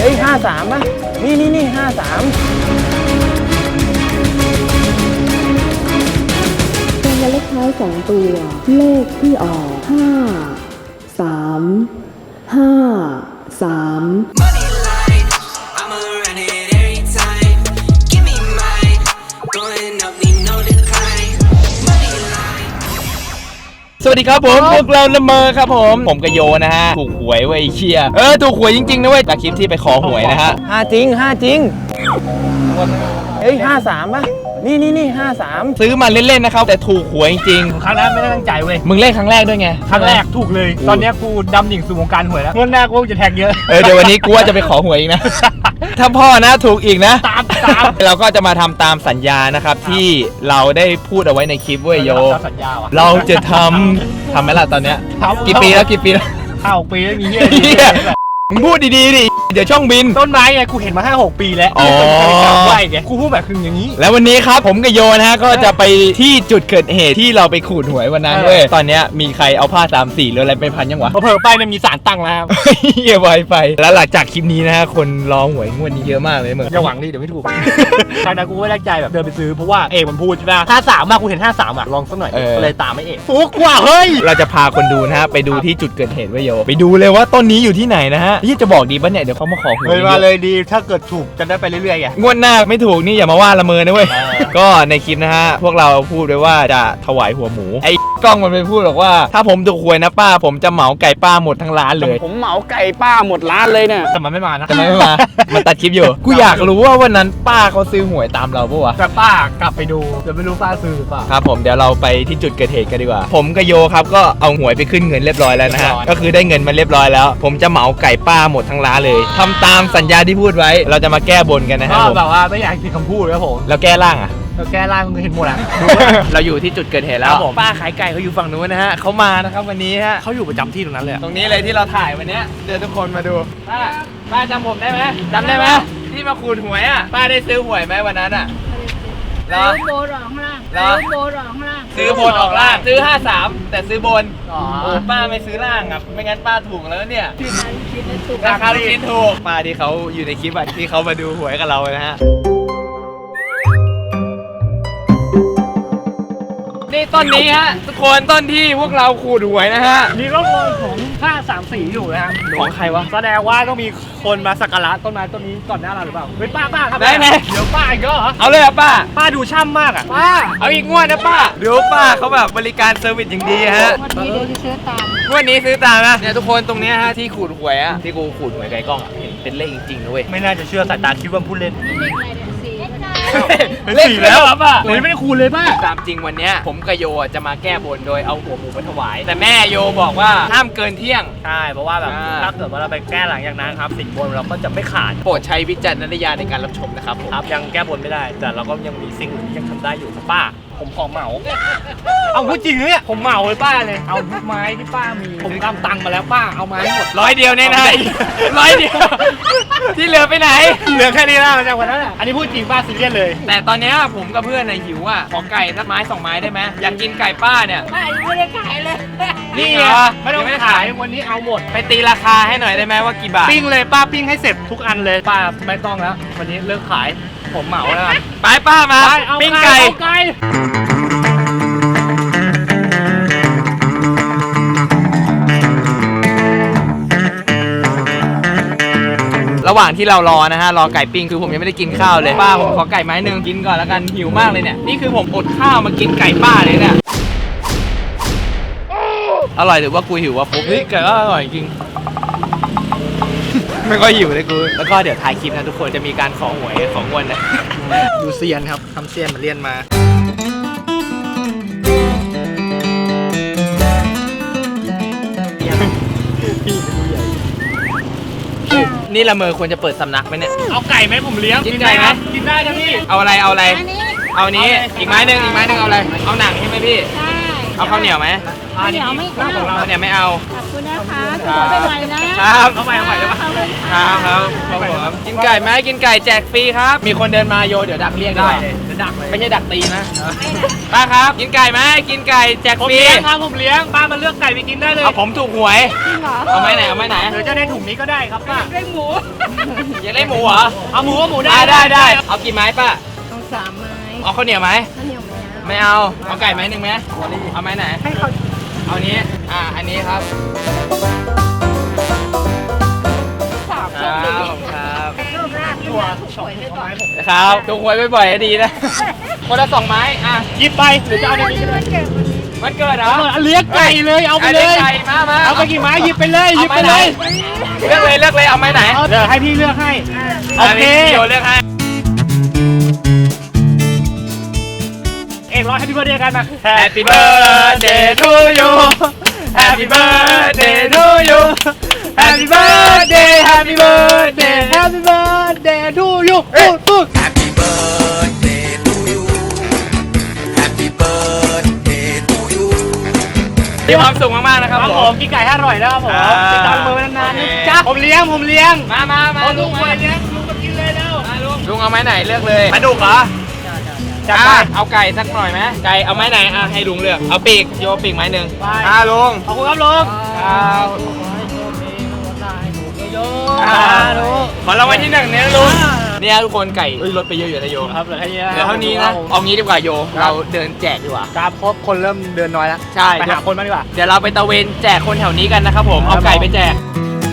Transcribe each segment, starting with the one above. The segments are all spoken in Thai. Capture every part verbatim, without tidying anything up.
ฮ้ยห้าสามป่ะนี่นี่นี่ห้าสามรางวัลเลขท้ายสองตัวเลขที่ออกห้าสามห้าสามสวัสดีครับผมพวกเราละเมอครับผมผมกโยนะฮะถูกหวยไว้เชียเออถูกหวยจริงๆนะเว้ยจากคลิปที่ไปขอหวยนะฮะห้าจริงห้าจริงเฮ้ยห้าสามป่ะนี่นี่นี่ห้าสามซื้อมาเล่นๆนะครับแต่ถูกหวยจริงครั้งแรกไม่ได้ตั้งใจเว้ยมึงเล่นครั้งแรกด้วยไงครั้งแรกถูกเลยตอนนี้กูดำดิ่งสู่วงการหวยแล้วเงินแรกกูจะแทงเยอะเออเดี๋ยววันนี้กูว่าจะไปขอหวยอีกนะถ้าพ่อนะถูกอีกนะตามตามเราก็จะมาทำตามสัญญานะครับที่เราได้พูดเอาไว้ในคลิปเว้ยโยสัญญาว่ะเราจะทำทำไหมล่ะตอนเนี้ยกี่ปีแล้วกี่ปีแล้วห้าหกปีแล้วมีเหี้ยมึงพูดดีๆดิเดี๋ยวช่องบินต้นไม้ไงกูเห็นมาห้าหกปีแล้วอ๋อไหวไงกูพูดแบบคืออย่างนี้แล้ววันนี้ครับผมกับโยนะฮะก็จะไปที่จุดเกิดเหตุที่เราไปขูดหวยวันนั้นเว้ยตอนเนี้ยมีใครเอาผ้าสามสีหรืออะไรไปพันยังวะเผลอไปมันมีสารตั้งแล้วเหี้ยไวไปแล้วหลังจากคลิปนี้นะฮะคนรอหวยงวดนี้เยอะมากเลยเหมือนอย่าหวังดิเดี๋ยวไม่ถูกครั้งนั้นกูไม่ได้ใจแบบเดินไปซื้อเพราะว่าเอกมันพูดใช่ไหมห้าสามมากูเห็นห้าสามอ่ะลองสักหน่อยเลยตามไม่เอกฟุกว่าเฮ้ยเราจะพาคนดูนะฮะไปดูที่จุดเกิดเหตุเว้ยโยไปดูเลยว่าต้นนี้อยู่ที่ไหนนะฮะที่จะบอกดีป่ะเนี่ยเดี๋ยวเขามาขอหวยมาเลยดีถ้าเกิดถูกจะได้ไปเรื่อยๆไงงวดหน้าไม่ถูกนี่อย่ามาว่าละเมอนะเว้ยก็ในคลิปนะฮะพวกเราพูดไว้ว่าจะถวายหัวหมูไอ้กล้องมันไปพูดบอกว่าถ้าผมถูกหวยนะป้าผมจะเหมาไก่ป้าหมดทั้งร้านเลยผมเหมาไก่ป้าหมดร้านเลยเนี่ยแต่มันไม่มานะแต่มันไม่มามันตัดคลิปอยู่กูอยากรู้ว่าวันนั้นป้าเขาซื้อหวยตามเราปะวะแต่ป้ากลับไปดูเดี๋ยวไม่รู้ป้าซื้อหรือเปล่าครับผมเดี๋ยวเราไปที่จุดเกิดเหตุกันดีกว่าผมกับโยครับก็เอาหวยไปขึ้นเงินเรียบร้อยแล้วนะฮะก็คือได้เงินมาเรียบร้อยแล้วผมจะเหมาไก่ป้าหมดทั้งร้านเลยทำตามสัญญาที่พูดไว้เราจะมาแก้บนกันนะฮะก็แบบว่าไม่อยากผิดคำพูดครับผมแล้วแก้ร่างอ่ะเราแก้ร่างมึงเห็นหมดอ่ะเราอยู่ที่จุดเกิดเหตุแล้วป้าขายไก่เขาอยู่ฝั่งนู้นนะฮะเขามานะครับวันนี้ฮะเขาอยู่ประจำที่ตรงนั้นเลยตรงนี้เลยที่เราถ่ายวันนี้เดี๋ยวทุกคนมาดูป้าป้าจำผมได้ไหมจำได้ไหมที่มาขูดหวยอ่ะป้าได้ซื้อหวยไหมวันนั้นอ่ะซื้อโบนออกล่างซื้อโบนออกล่างซื้อโบนออกล่างซื้อห้าสามแต่ซื้อบนโอ้ป้าไม่ซื้อล่างครับไม่งั้นป้าถูกแล้วเนี่ยราคาลูกชิ้นถูกป้าที่เขาอยู่ในคลิปที่เขามาดูหวยกับเรานะฮะนี่ต้นนี้ฮะทุกคนต้นที่พวกเราขูดหวยนะฮะมีร่องรอยของผ้าสามสีอยู่นะฮะของใครวะแสดงว่าต้องมีคนมาสักการะต้นไม้ต้นนี้ก่อนหน้าเราหรือเปล่าเฮ้ยป้าป้าครับได้ไหมเดี๋ยวป้าอีกเหรอเอาเลยอ่ะป้าป้าดูช่ำมากอ่ะป้าเอาอีกงวดนะป้าเดี๋ยวป้าเขาแบบบริการเซอร์วิสอย่างดีฮะวันนี้เดี๋ยวจะซื้อตามวันนี้ซื้อตามนะเนี่ยทุกคนตรงนี้ฮะที่ขูดหวยอ่ะที่กูขูดหวยไก่กล้องอ่ะเห็นเป็นเลขจริงๆนะเว้ยไม่น่าจะเชื่อสายตาคิดว่าพูดเล่นเลขอะไรเนี่ยสี่เลขแล้วป้าโอ้ยไม่ได้คูณเลยป้าตามจริงวันนี้ผมกับโยจะมาแก้บนโดยเอาหัวหมูไปถวายแต่แม่โยบอกว่าห้ามเกินเที่ยงใช่เพราะว่าแบบถ้าเกิดว่าเราไปแก้หลังอย่างนั้นครับสิ่งบนเราก็จะไม่ขาดโปรดใช้วิจารณญาณในการรับชมนะครับผมครับยังแก้บนไม่ได้แต่เราก็ยังมีสิ่งอื่นที่ยังทำได้อยู่ครับป้าผมขอเหมาเอาพูดจริงเนี่ยผมเหมาเลยป้าเลยเอาทุกไม้ที่ป้ามีผมตามตังค์มาแล้วป้าเอาไม้หมดร้อยเดียวแน่ๆร้อยเดียวที่เหลือไปไหนเหลือแค่นี้แล้วจากวันนั้นอ่ะอันนี้พูดจริงป้าซีเรียสเลยแต่ตอนนี้ผมกับเพื่อนน่ะหิวอ่ะขอไก่สักไม้สองไม้ได้ไหมอยากกินไก่ป้าเนี่ยป้ายังไม่ได้ขายเลยนี่ไงไม่ต้องขายวันนี้เอาหมดไปตีราคาให้หน่อยได้ไหมว่ากี่บาทปิ้งเลยป้าปิ้งให้เสร็จทุกอันเลยป้าไม่ต้องแล้ววันนี้เลิกขายผมเหมาแล้วไปป้ามาปิ้งไก่ระหว่างที่เรารอนะฮะรอไก่ปิ้งคือผมยังไม่ได้กินข้าวเลยป้าผมขอไก่ไม้หนึ่งกินก่อนแล้วกันหิวมากเลยเนี่ยนี่คือผมอดข้าวมากินไก่ป้าเลยเนี่ยอร่อยหรือว่ากูหิววะปุ๊บเฮ้ยไก่ก็อร่อยจริงไม่ค่อยหิวเลยกูแล้วก็เดี๋ยวถ่ายคลิปนะทุกคนจะมีการขอหวยของวันนะดูเซียนครับทำเซียนมาเรียนมานี่ละเมอควรจะเปิดสำนักไหมเนี่ยเอาไก่ไหมผมเลี้ยงกินไก่ไหมกินได้นะพี่เอาอะไรเอาอะไรเอานี้อีกไม้หนึ่งอีกไม้หนึ่งเอาอะไรเอาหนังใช่ไหมพี่เอาข้าวเหนียวไหมอ่านี่ข้าวเหนียวไม่ข้าวของเราเนี่ยไม่เอาขอบคุณนะคะขอไปใหม่นะครับเอาใหม่เอาใหม่ได้ปะขอบคุณคค่ะรับครับครับผมกินไก่ไหมกินไก่แจกฟรีครับ มีคนเดินมาโยเดี๋ยวดักเรียกได้ได้เลยจะดักเลยไม่ใช่ดักตีนะป้าครับ กินไก่ไหมกินไก่แจกผมฟรีเลี้ยงครับผมเลี้ยงป้ามาเลือกไก่ไปกินได้เลยเอาผมถูกหวยจริงเหรอเอาไม้ไหนเอาไม้ไหนหรือจะได้ถุงนี้ก็ได้ครับป้าได้หมูอยากได้หมูเหรอเอาหมูก็หมูได้ได้ได้ได้เอากี่ไม้ป้าต้องสามไม้เอาข้าวเหนียวไหมข้าวเหนียวไหมไม่เอาเอาไก่ไม้หนึ่งไหมเอาไม้ไหนให้เขาเอานี้อ่าอันนี้ครับสามคครันเลยบครับรูปร่างตัวสวยไปก่อนครับถูกหวยบ่อยๆดีนะ คนละสองไม้อ่ะหยิบไปหรือจะเอาในนี้ก็ได้มันเกิดเหรอเอาเลี้ยงไก่เลยเอาไปเลยไก่มามาเอาไปกี่ไม้หยิบไปเลยหยิบไปอาม้เลไหนยเลือกเลยเลือกเลยเอาไม้ไหนเดี๋ยวให้พี่เลือกให้โอเคพี่โยเลือกให้เอกร้อยให้พี่เบิร์ดเดียวกันมา Happy birthday to you Happy birthday to you Happy birthday Happy birthday Happy birthday to you พูดพูด Happy birthday to you. Happy birthday to you. มีความสุขมากๆนะครับครับผผม มกินไก่ให้อร่อยนะครับผมอ่าติดตามมือไว้นานๆโอนะเคจ๊ะผมเลี้ยงผมเลี้ยงมามามาเอาลุลุงงมามาเลี้ยงลุงมากินเลยแล้วลุงเอาไม้ไหนเลือกเลยปลาดุกเหรอจัดไปอ่ะเอาไก่สักหน่อยไหมไก่เอาไม้ไหนอ่ะให้ลุงเลือกเอาปีกโยปีกไม้หนึ่งไปอ่าลุงขอบคุณครับลุงครับโยอ่าลุงขอรางวัลที่หนึ่งเนี่ยลุงเนี่ยทุกคนไก่เอ้ยลดไปเยอะอยู่นะโยครับเหลือแค่นี้เหลือเท่านี้นะเอางี้ดีกว่าโยเราเดินแจกดีกว่าครับครบคนเริ่มเดินน้อยแล้วใช่ไปหาคนมาดีกว่าเดี๋ยวเราไปตะเวนแจกคนแถวนี้กันนะครับผมเอาไก่ไปแจก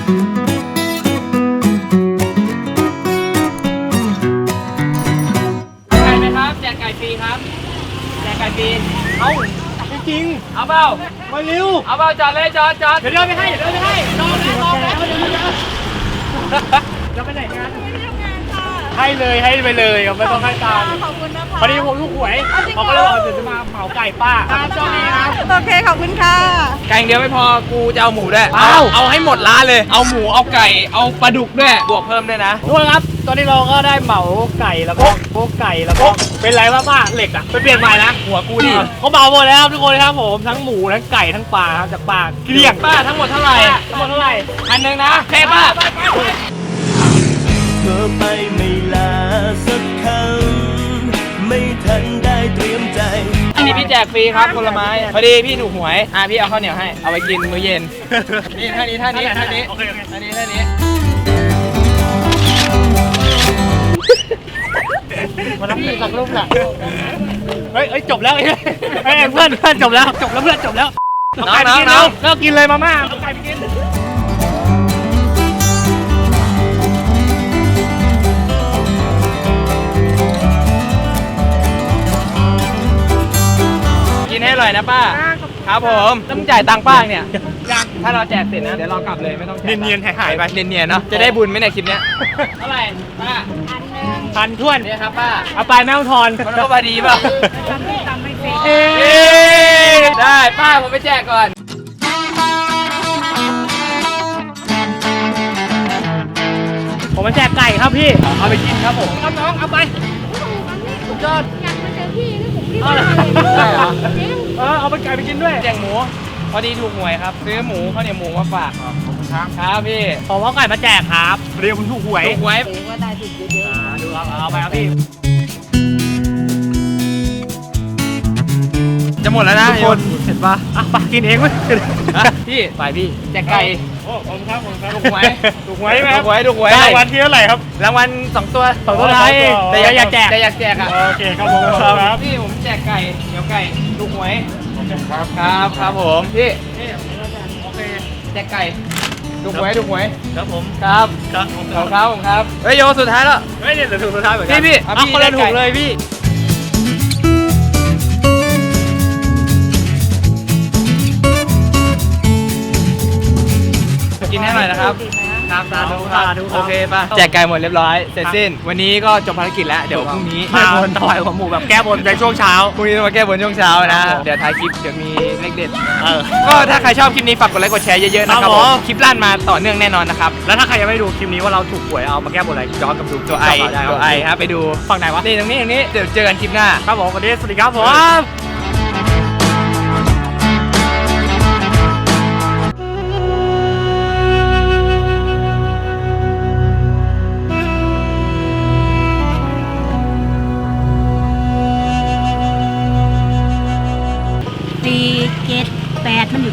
ไก่ไหมครับแจกไก่ฟรีครับแจกไก่ฟรีเอ้าจริงเอาเปล่าๆมาเร็วเอาเปล่าจอดเลยจอดจอดเดี๋ยวเดินไปให้เดี๋ยวเดินไปให้รอแล้วรอแล้วเดี๋ยวเดี๋ยวเดี๋ยวจะไปไหนกันไม่ได้ทำงานค่ะให้เลยให้ไปเลยไม่ต้องให้ตามขอบคุณนะคะพอดีผมลูกหวยเอาจริงเหรอเขาก็เลยบอกเดี๋ยวจะมาเหมาไก่ป้าครับเจ้านี้ครับโอเคขอบคุณค่ะไก่อย่างเดียวไม่พอกูจะเอาหมูด้วยอ้าวเอาให้หมดร้านเลย เอาหมูเอาไก่เอาปลาดุกด้วยบวกเพิ่มด้วยนะทุกคนครับ ตอนนี้เราก็ได้เหมาไก่แล้วก็พวกไก่แล้วก็เป็นไรวะป้าเหล็กอ่ะไปเปลี่ยนใหม่นะหัวกูดิเขาเหมาหมดแล้วครับทุกคนครับผมทั้งหมูทั้งไก่ทั้งปลาครับจากปลาเกลี้ยงป้าทั้งหมดเท่าไหร่ทั้งหมดเท่าไหร่พันหนึ่งนะโอเคป้าเธอไปไม่ลาสักคำไม่ทันได้เตรียมใจอันนี้พี่แจกฟรีครับคนละไม้พอดีพี่ถูกหวยอ่ะพี่เอาข้าวเหนียวให้เอาไปกินมื้อเย็นนี่ท่านี้ท่านี้ท่านี้โอเคโอเคท่านี้ท่านี้มาทำเป็นหลักลูกน่ะเฮ้ยเฮ้ยจบแล้วเฮ้ยเฮ้ยเพื่อนเพื่อนจบแล้วจบแล้วเพื่อนจบแล้วเอาไก่ไปกินแล้วเลิกกินเลยมาม่าเอาไก่ไปกินกินให้อร่อยนะป้าครับผมต้องจ่ายตังค์ป้าเนี่ยถ้าเราแจกเสร็จนะเดี๋ยวเรากลับเลยไม่ต้องจ่ายตังค์เนียนๆหายๆไปเนียนๆเนาะจะได้บุญไหมเนี่ยคลิปเนี้ยเท่าไหร่ป้าพันท้วนเนี่ยครับป้าเอาไปแม่ต้องทอนมันก็พอดีเปล่าทำไม่ทำไม่ฟรีเอ๊เย้ได้ป้าผมไปแจกก่อนผมมาแจกไก่ครับพี่เอาไปกินครับผมครับน้องเอาไปสุดยอดอยากมาเจอพี่นี่ผมรีบเอามาเลยได้เหรอจริงเออเอาไปไก่ไปกินด้วยแจกหมูพอดีถูกหวยครับซื้อหมูข้าวเหนียวหมูมาฝากขอบคุณครับครับพี่ผมเอาไก่มาแจกครับเรียกคุณถูกหวยถูกหวยถือว่าได้ถูกเยอะอ่าดูครับเอาไปครับพี่จะหมดแล้วนะทุกคนเห็นปะอ่ะไปกินเองเว้ยฮะพี่ฝ่ายพี่แจกไก่โอ้ผมครับผมครับถูกหวยถูกหวยไหมถูกหวยถูกหวยรางวัลที่เท่าไหร่ครับรางวัลสองตัวสองตัวท้ายเองแต่แต่อยากแจกแต่อยากแจกอ่ะโอเคครับผมครับพี่ผมแจกไก่เดี๋ยวไก่ถูกหวยครับครับครับผมพี่โอเคแจกไก่ถูกหวยถูกหวยครับผมครับครับผมขอบคุณครับผมครับเฮ้ยโยสุดท้ายแล้วเฮ้ยเนี่ยเดี๋ยวถูกสุดท้ายเหมือนกัพี่พี่เอาพี่คนละได้ถูไก่กเลยพี่กินให้หน่อยนะครับครับสาธุสาธุโอเคป่ะแจกไก่หมดเรียบร้อยเสร็จสิ้น วันนี้ก็จบภารกิจแล้วเดี๋ยวพรุ่งนี้มาถวายหัวหมูแบบแก้บนในช่วงเช้าพรุ่งนี้ต้องมาแก้บนช่วงเช้าครันะบผมเดี๋ยวท้ายคลิปเดี๋ยวมีเลขเด็ดเออก็ถ้าใครชอบคลิปนี้ฝากกดไลค์กดแชร์เยอะๆนะคครัรับบ ผผม มคลิปลั่นมาต่อเนื่องแน่นอนนะครับแล้วถ้าใครยังไม่ดูคลิปนี้ว่าเราถูกหวยเอามาแก้บนอะไรย้อนกลับดูตัวไอได้ครับตัวไอครับไปดูฝั่งไหนวะนี่ตรงนี้ตรงนี้เดี๋ยวเจอกันคลิปหน้าครับผมวันนี้สวัสดีครับผม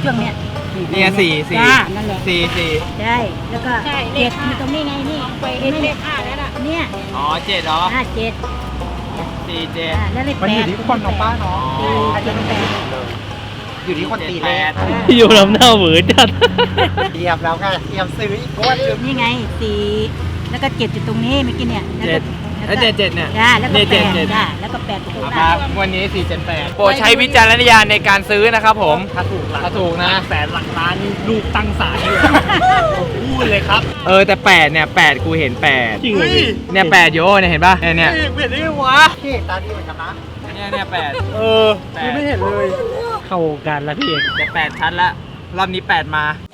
ช่วงเนี้ยเนี่ยสี่สี่จ้านั่นแหละสี่สี่ใช่แล้วก็เจ็ดมีตรงนี้ไงนี่ไปเลขห้าแล้วล่ะเนี่ยอ๋อเจ็ดเหรอห้าเจ็ดสี่เจ็ดอ่าแล้วเลขแปดมันอยู่ที่คนของป้าเนาะอาจจะเป็นแปดอยู่ที่คนตีแปดอยู่ลำหน้าเหวอจัดเตรียมแล้วค่ะเตรียมซื้ออีกงวดหนึ่งนี่ไงสี่แล้วก็เจ็ดอยู่ตรงนี้เมื่อกี้เนี่ยแล้วเจ็ก็ดแล้วเจ็ดเจ็ดเนี่ยจ้าแล้วก็เจ็ดแปเจ็ดดเจ็ดจ้าแล้วก็แปดอยู่ตรงคนั้รันบวันนี้สี่เจ็ดแปดโปรดใช้วิจารณญาณในการซื้อนะครับผมถ้าถูกหลักถ้าถูกนะแสนหลักล้านนี่ลูกตั้งศาลเลยผมพูดเลยครับเออแต่แปดเนี่ยแปดกูเห็นแปดจริงเหรอพี่เนี่ยแปดโยเนี่ยเห็นป่ะเนี่ยเนี่ยเห็นได้ไงวะที่ตาดีเหมือนกันนะเนี่ยเนี่ยแปดเออแปดไม่เห็นเลย เข้าวงการแล้วพี่เอกจะแปดชั้นละรอบนี้แปดมา